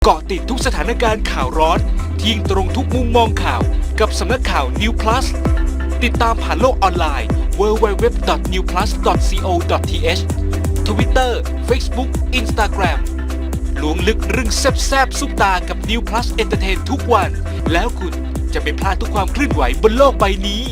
เกาะติดทุกสถานการณ์ข่าวร้อนทิ้งตรงทุกมุมมองข่าวกับสำนักข่าว New Plus ติดตามผ่านโลกออนไลน์ www.newplus.co.th Twitter Facebook Instagram ล้วงลึกเรื่องแซ่บๆซุปตากับ New Plus Entertain ทุกวันแล้วคุณจะไม่พลาดทุกความเคลื่อนไหวบนโลกใบนี้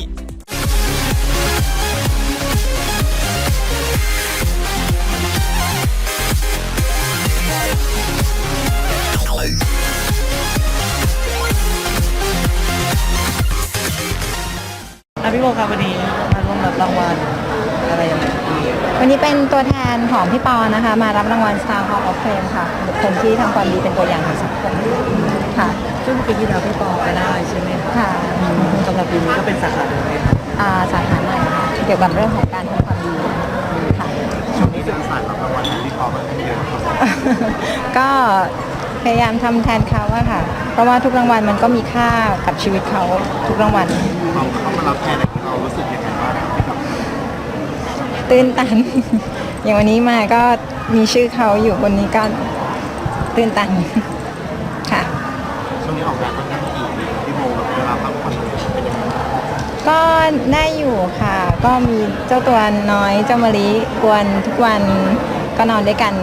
พี่โบครับวันนี้มาร่วมรับรางวัลอะไรอย่างเงี้ยวันนี้เป็นตัวแทนของพี่ปอนะคะมารับรางวัล Star Hall of Fame ค่ะบุคคลที่ทำความดีเป็นตัวอย่างของสังคมค่ะซึ่งปีที่แล้วพี่ปอไปได้ใช่ไหมคะค่ะสำหรับปีนี้ก็เป็นสาขาเดิมไหมคะสาขาใหม่ค่ะเกี่ยวกับเรื่องของการทำความดีค่ะช่วงนี้จะมีสายรับรางวัลพี่ปอมาเยอะครับก็พยายามทำแทนเขาอะค่ะเพราะว่าทุกรางวัลมันก็มีค่ากับชีวิตเขาทุกรางวัลเขามารับแทนอะไรเรารู้สึกยังไงบ้างที่แบบตื้นตัน อย่างวันนี้มาก็มีชื่อเขาอยู่บนนี้ก็ตื้นตันค่ะช่วงนี้ออกงานค่อนข้างถี่พี่โบแบบเวลาพักผ่อนเป็นยังไงก็ได้อยู่ค่ะก็มีเจ้าตัวน้อยเจ้ามะลิกวนทุกวันก็นอนด้วยกัน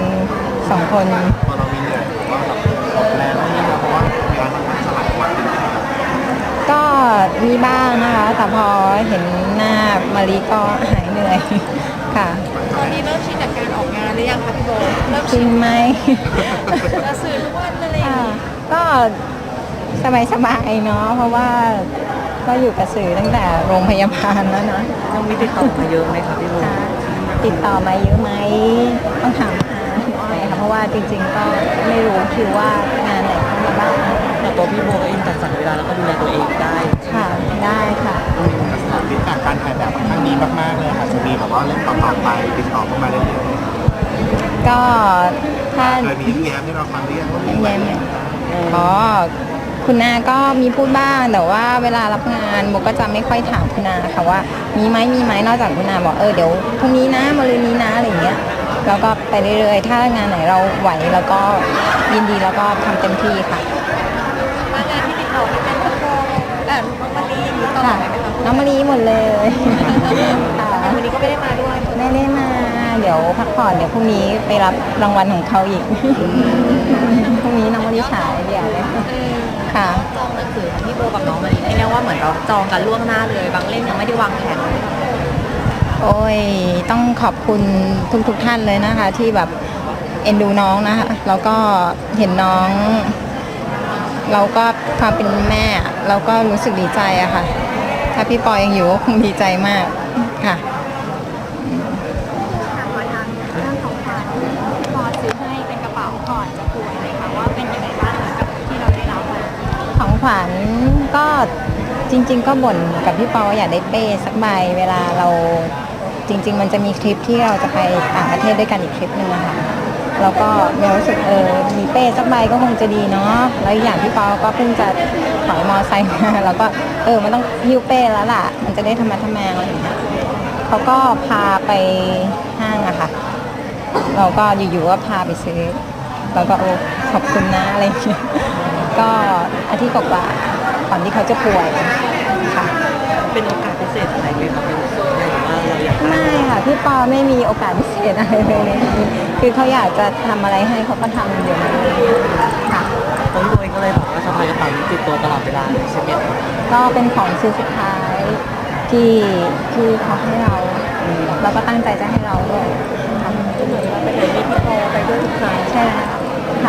2 คนพอเรามีเหนื่อยว่าแบบออกแรงไม่เพราะว่าเวลาทำงานหลายวันก็มีบ้างนะคะแต่พอเห็นหน้ามะลิก็หายเหนื่อยค่ะตอนนี้เริ่มชินกับการออกงานหรือยังคะพี่โบเริ่มชินไหมจะสื่อทุกวันอะไรอย่างนี้ก็สบายๆเนาะเพราะว่าก็อยู่กับสื่อตั้งแต่โรงพยาบาลแล้วนะต้องมีติดต่อมาเยอะไหมคะพี่โบติดต่อมาเยอะไหมต้องถามหน่อยค่ะเพราะว่าจริงๆก็ไม่รู้คิวว่างานไหนเข้ามาบ้างแต่ตัวพี่โบเองจัดสรรเวลาแล้วก็ดูแลตัวเองได้ค่ะได้ค่ะสำหรับฟีดแบ็กการถ่ายแบบครั้งนี้มากๆเลยค่ะจะมีแบบว่าเล่นต่อๆไปติดต่อเข้ามาเรื่อยๆก็ถ้าเคยมีแย้มที่เราฟังเรียกว่ามีแย้มอ๋อคุณนาก็มีพูดบ้างแต่ว่าเวลารับงานโบก็จะไม่ค่อยถามคุณนาค่ะว่ามีไหมนอกจากคุณนาบอกเดี๋ยวพรุ่งนี้นะมะรืนนี้นะอะไรอย่างเงี้ยแล้วก็ไปเรื่อยๆถ้างานไหนเราไหวแล้วก็ยินดีแล้วก็ทำเต็มที่ค่ะงานที่ติดต่อเป็นพี่โบน้องมะลิอย่างนี้ตลอดไหมคะน้องมะลิหมดเลยวันนี้ก็ไม่ได้มาด้วยไม่ได้มาเดี๋ยวพักผ่อนเดี๋ยวพรุ่งนี้ไปรับรางวัลของเขาอีกพรุ่งนี้น้องมะลิฉายเดี๋ยวค่ะจองหนังสือของพี่โบกับน้องมะลิได้แล้วว่าเหมือนเราจองกันล่วงหน้าเลยบางเล่มยังไม่ได้วางแผนเลยโอ้ยต้องขอบคุณทุกท่านเลยนะคะที่แบบเอ็นดูน้องนะคะแล้วก็เห็นน้องเราก็ความเป็นแม่เราก็รู้สึกดีใจอะค่ะถ้าพี่ปอยังอยู่ก็คงดีใจมากค่ะพอซื้อให้เป็นกระเป๋าก่อนจะป่วยเลยค่ะว่าเป็นยังไงบ้างกับที่เราได้รับของขวัญก็จริงๆก็บ่นกับพี่ปออยากได้เป้สักใบเวลาเราจริงๆมันจะมีคลิปที่เราจะไปต่างประเทศด้วยกันอีกคลิปนึงอะค่ะแล้วก็มีรู้สึกมีเป้สักใบก็คงจะดีเนาะแล้วอย่างพี่ปอก็เพิ่งจะถอยมอไซค์มาแล้วก็มันต้องหิ้วเป้แล้วล่ะมันจะได้ธรรมะทแมงอะไรอย่างเงี้ยเขาก็พาไปห้างอะค่ะเราก็อยู่ๆก็พาไปซื้อแล้วก็ขอบคุณนะอะไรอย่างเงี้ยก็อาทิตย์กว่าก่อนที่เขาจะป่วยค่ะเป็นโอกาสพิเศษอะไรไหมครับหรือว่าเราอยากไม่ค่ะพี่ปอไม่มีโอกาสพิเศษอะไรเลยคือเขาอยากจะทำอะไรให้เขาก็ทำอยู่ค่ะตัวพี่โบเองก็เลยบอกว่าสะพายกระเป๋าติดตัวตลอดเวลาใช่ไหมก็เป็นของชิ้นสุดท้ายที่เขาให้เราแล้วก็ตั้งใจจะให้เราด้วยทำเหมือนว่าไปไหนมีพี่ปอไปด้วยทุกครั้งใช่ค่ะ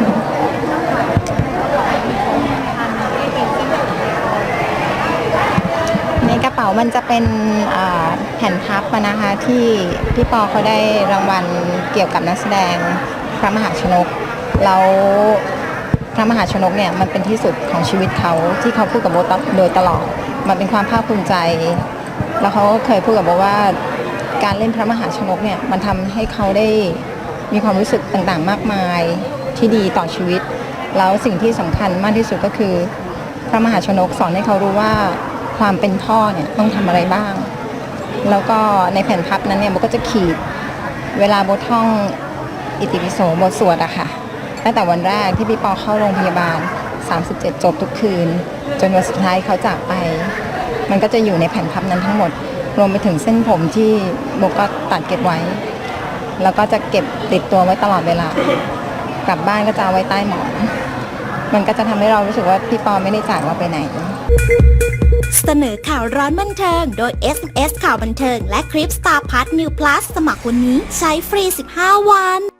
ในกระเป๋ามันจะเป็นแผ่นพับนะคะที่พี่ปอเขาได้รางวัลเกี่ยวกับนักแสดงพระมหาชนกแล้วพระมหาชนกเนี่ยมันเป็นที่สุดของชีวิตเขาที่เขาพูดกับโบโดยตลอดมันเป็นความภาคภูมิใจแล้วเขาเคยพูดกับโบว่าการเล่นพระมหาชนกเนี่ยมันทำให้เขาได้มีความรู้สึกต่างๆมากมายที่ดีต่อชีวิตแล้วสิ่งที่สำคัญมากที่สุดก็คือพระมหาชนกสอนให้เขารู้ว่าความเป็นพ่อเนี่ยต้องทำอะไรบ้างแล้วก็ในแผ่นพับนั้นเนี่ยโบก็จะขีดเวลาโบท่องอิติปิโสโบสวดอะค่ะตั้งแต่วันแรกที่พี่ปอเข้าโรงพยาบาล 37 จบทุกคืน จนวันสุดท้ายเขาจากไป มันก็จะอยู่ในแผ่นพับนั้นทั้งหมด รวมไปถึงเส้นผมที่โบก็ตัดเก็บไว้ แล้วก็จะเก็บติดตัวไว้ตลอดเวลากลับบ้านก็จะเอาไว้ใต้หมอน มันก็จะทำให้เรารู้สึกว่าพี่ปอไม่ได้จากเราไปไหนเสนอข่าวร้อนบันเทิงโดย SMS ข่าวบันเทิงและคลิป Star Plus New Plus สมัครวันนี้ใช้ฟรี15 วัน